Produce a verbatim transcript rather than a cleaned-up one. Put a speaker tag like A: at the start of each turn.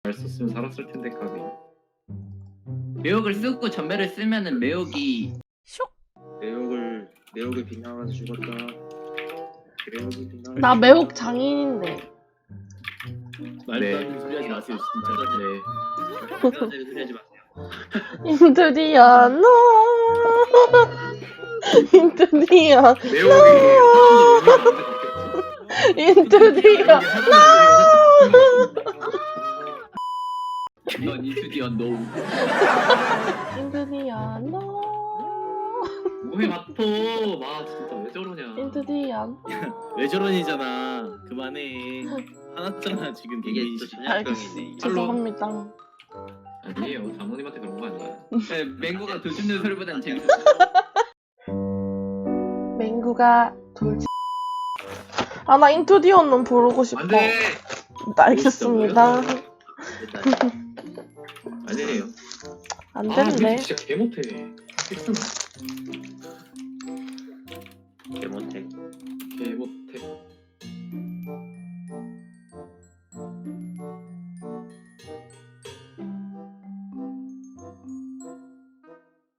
A: 잘 썼으면 살았을 텐데 까비. 매혹을 쓰고 전멸을 쓰면은 매혹이
B: 매혹을 매혹에 빗나가서 죽었다. 매혹이 빗나가서
C: 나 매혹 장인인데.
D: 말도
A: 네.
D: 안 되는 소리 하지 마세요 진짜.
A: 네.
B: 죽었다. 소리 하지 마세요.
C: 인트리아노. 인트리아.
A: 매혹이
C: 인트리아.
A: 넌 이수디언 노.
C: 인트리아노.
A: 뭐해 마토. 와 진짜 왜 저러냐.
C: 인트리아노.
D: 왜 저런이잖아. 그만해. 화났잖아 지금
B: 이게
D: 개개인
B: 또
D: 씨.
B: 전략병이네.
C: 죄송합니다.
A: 아니에요. 장모님한테 그런 거 아니야. 네, 맹구가 도주는 소리보단 재밌어.
C: 맹구가 돌지. 아, 나 인투디언은 부르고 싶어.
A: 안돼.
C: 알겠습니다.
A: 아니에요.
C: 안
A: 아
C: 된대.
A: 진짜 개 못해. 픽스나.
B: 개 못해.
A: 개 못.